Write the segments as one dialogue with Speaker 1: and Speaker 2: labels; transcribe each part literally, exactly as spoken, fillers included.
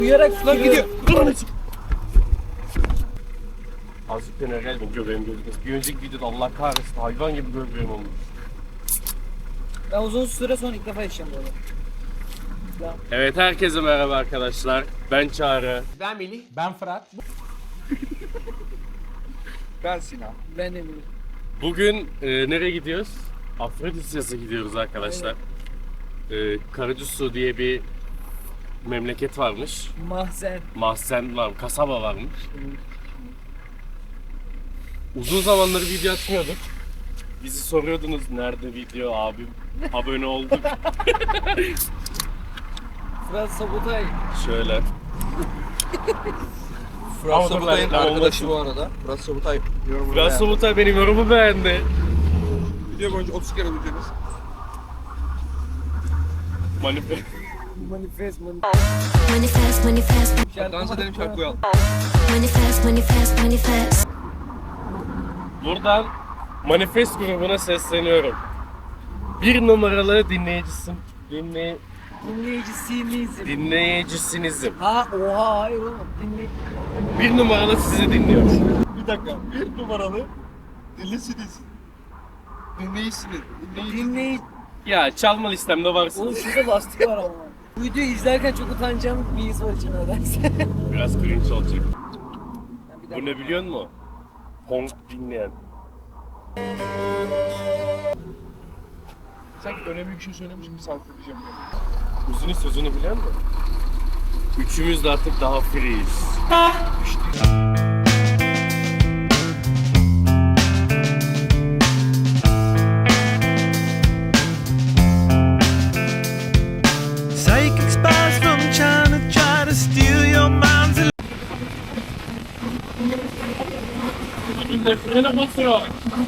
Speaker 1: Uyarak sular gidiyor.
Speaker 2: Azıcık dene geldim göbeğim gözüküyor. Bir önceki videoda Allah kahretsin hayvan gibi göbeğim olmuş.
Speaker 1: Ben uzun süre sonra ilk defa yaşayacağım böyle.
Speaker 2: Evet herkese merhaba arkadaşlar. Ben Çağrı.
Speaker 3: Ben Melih.
Speaker 4: Ben Fırat.
Speaker 3: Ben Sinan.
Speaker 1: Ben de bilmiyorum.
Speaker 2: Bugün e, nereye gidiyoruz? Afrodisyas'a gidiyoruz arkadaşlar. E, Karacasu diye bir memleket varmış.
Speaker 1: Mahzen.
Speaker 2: Mahzen var, kasaba varmış. Uzun zamanları video atmıyorduk. Bizi soruyordunuz nerede video abim? Abone olduk.
Speaker 1: Fırat Sabotay.
Speaker 2: Şöyle.
Speaker 3: Fırat
Speaker 2: Ama dur,
Speaker 3: Sabutay'ın
Speaker 2: ben- ben
Speaker 3: arkadaşı
Speaker 2: olmasın.
Speaker 3: bu arada. Fırat Sabutay yorumunu
Speaker 2: Biraz
Speaker 3: beğendi.
Speaker 2: Somutay benim yorumu beğendi.
Speaker 3: Video boyunca otuz kere videonuz.
Speaker 2: Manifest.
Speaker 1: Manifest, manifest.
Speaker 5: Manifest, manifest,
Speaker 3: Dans edelim şarkı koyalım.
Speaker 5: manifest, manifest, manifest.
Speaker 2: Buradan Manifest grubuna sesleniyorum. Bir numaralı dinleyicisin. Dinley
Speaker 1: Dinleyicisinizim.
Speaker 2: dinleyicisinizim.
Speaker 1: Ha oha hayır oğlum. Dinley...
Speaker 2: Bir numaralı sizi dinliyoruz.
Speaker 3: Bir dakika. Bir numaralı. Dinlesiniz. Dinleyisiniz. Dinleyin.
Speaker 1: Dinley...
Speaker 2: Ya çalma listemde varsın.
Speaker 1: Oğlum şurada lastik var ama. Bu videoyu izlerken çok utanacağım bir his var içime nedense.
Speaker 2: Biraz cringe olacak.
Speaker 1: Ben bir
Speaker 2: Bu
Speaker 1: dakika-
Speaker 2: ne biliyor musun? Honk dinleyen.
Speaker 3: Sanki önemli bir şey söylemiş gibi saklayacağım.
Speaker 2: Uzunun sözünü bilen mi? Üçümüz de artık daha freeyiz.
Speaker 6: Psychic spies from China try to steal your mind's
Speaker 2: Frene basıyor.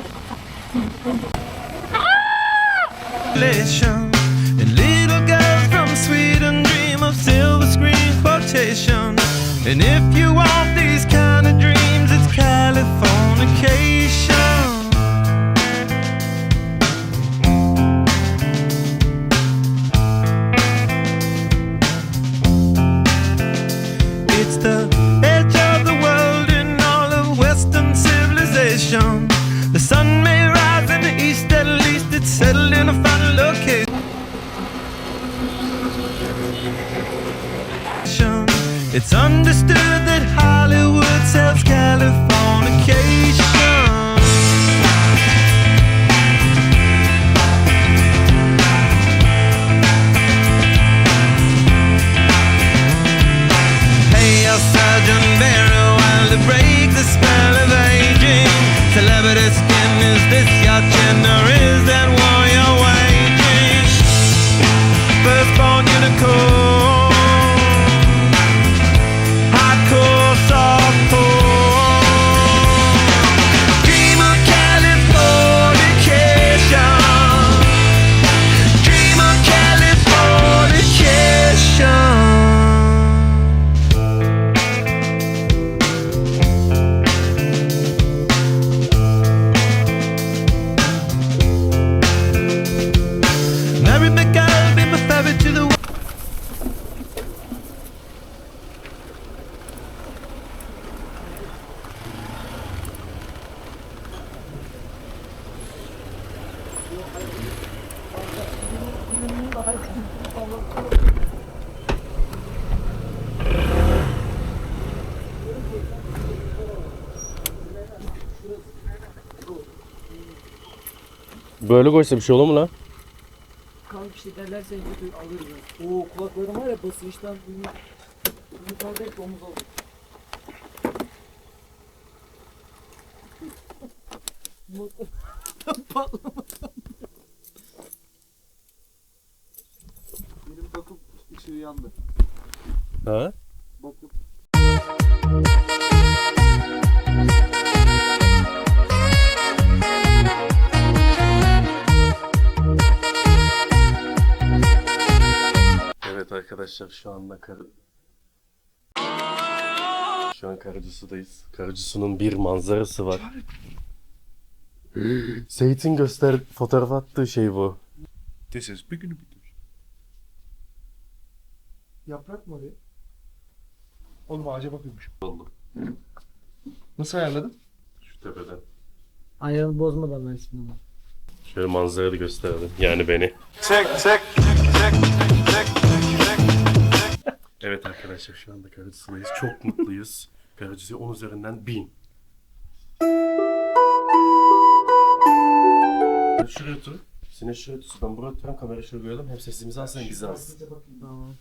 Speaker 6: elation. And little girls from Sweden dream of silver screen quotation. And if you want these kind of dreams, it's Californication. It's the edge of the world in all of Western civilization. The sun may rise in the east, at least it's settled in a final location. It's understood that Hollywood sells Californication. Pay your surgeon very well to break the spell of aging. Celebrity skin, is this your chin or is that war you're waging? Firstborn unicorn, hardcore, softcore. Dream of Californication. Dream of Californication. Marry me, girl, be my favorite to the
Speaker 2: Böyle koysa bir şey olur mu lan?
Speaker 1: Kanka bir şey derlerse videoyu alırız. ben. Oo kulaklarım var ya basınçtan bunu... Yukarıda hep omuz oldu. Patlamadan.
Speaker 3: Benim bakım ışığı yandı.
Speaker 2: Ha?
Speaker 3: Bakım.
Speaker 2: Evet arkadaşlar şu anda kar... Şu an Karacasu'dayız. Karacasu'nun bir manzarası var. Seyit'in göster fotoğraf attığı şey bu.
Speaker 3: This is big. Yaprak mı oraya? Oğlum ağaca bakıyormuş.
Speaker 2: Oldu.
Speaker 3: Nasıl ayarladın?
Speaker 2: Şu tepeden.
Speaker 1: Ayarını bozmadan versin ama.
Speaker 2: Şöyle manzarayı gösterelim. Yani beni. Evet arkadaşlar şu anda Karacahisar'dayız. Çok mutluyuz. Karacahisar on üzerinden bin. Şuraya otur. Sine şuraya otur. Ben buraya oturan kamerayı şöyle koyalım. Hem sesimizi alsın hem bizi alsın.
Speaker 1: Tamam.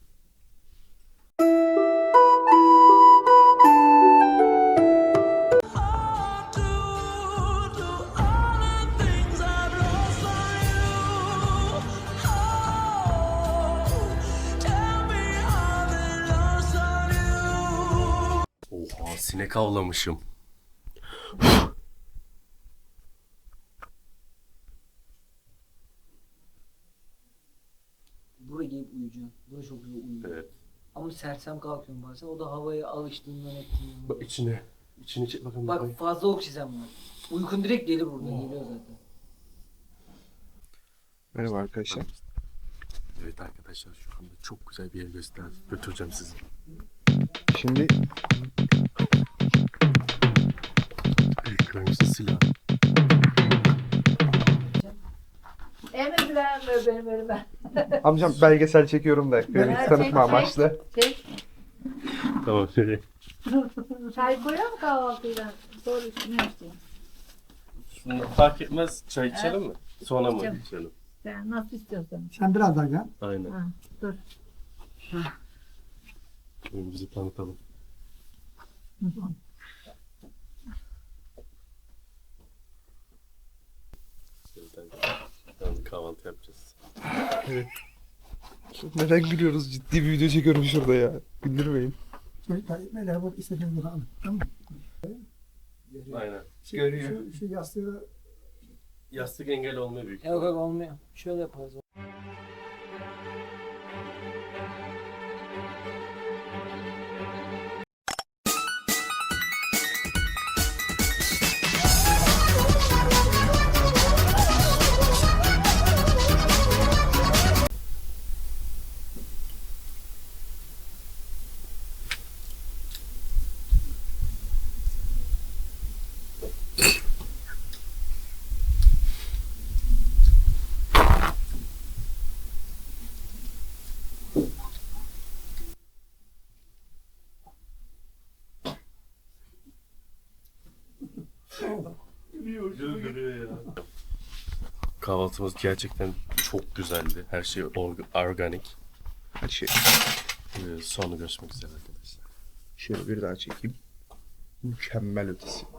Speaker 2: Oha sinek avlamışım.
Speaker 1: Buraya gelip uyuyacaksın. Buraya çok güzel uyuyor.
Speaker 2: Evet.
Speaker 1: Ama sersem kalkıyorum bazen. O da havaya alıştığından ettiğinden.
Speaker 2: Bak içine. İçini çek bakın.
Speaker 1: Bak fazla oksijen var. Uykun direkt gelir burada. Geliyor zaten.
Speaker 3: Merhaba arkadaşlar.
Speaker 2: Evet arkadaşlar şu anda çok güzel bir yer gösterdim. Götüreceğim sizi.
Speaker 3: Şimdi
Speaker 2: Büyüklerimizin silahı.
Speaker 4: Emir benim önüme.
Speaker 3: amcam belgesel çekiyorum da beni
Speaker 4: çek,
Speaker 3: tanıtma
Speaker 4: çek.
Speaker 3: amaçlı.
Speaker 4: Çek.
Speaker 2: Tamam şöyle.
Speaker 4: Çay koyuyor mu kahvaltıyla? Sonra üstüne içeceğim.
Speaker 2: Şimdi fark etmez. Çay içelim mi? Sonra mı
Speaker 4: İçelim.
Speaker 2: içelim?
Speaker 4: Sen nasıl istiyorsan.
Speaker 7: Sen biraz daha gel.
Speaker 2: Aynen.
Speaker 4: Ha, dur.
Speaker 2: Önümüzü tanıtalım. Yani kahvaltı yapacağız.
Speaker 3: Neden gülüyoruz? Ciddi bir video çekiyorum şurada ya. Güldürmeyin.
Speaker 7: Çocuklar böyle bu istediğiniz gibi alın. Tamam mı?
Speaker 2: Aynen.
Speaker 3: Görüyor.
Speaker 7: Şu, şu yastığı
Speaker 2: Yastık engel olmuyor büyük.
Speaker 1: Yok yok olmuyor. Şöyle yaparız.
Speaker 2: Kahvaltımız gerçekten çok güzeldi. Her şey org- organik.
Speaker 3: Hadi şey.
Speaker 2: Ee, sonra görüşmek üzere arkadaşlar.
Speaker 3: Şöyle bir daha çekeyim. Mükemmel ötesi.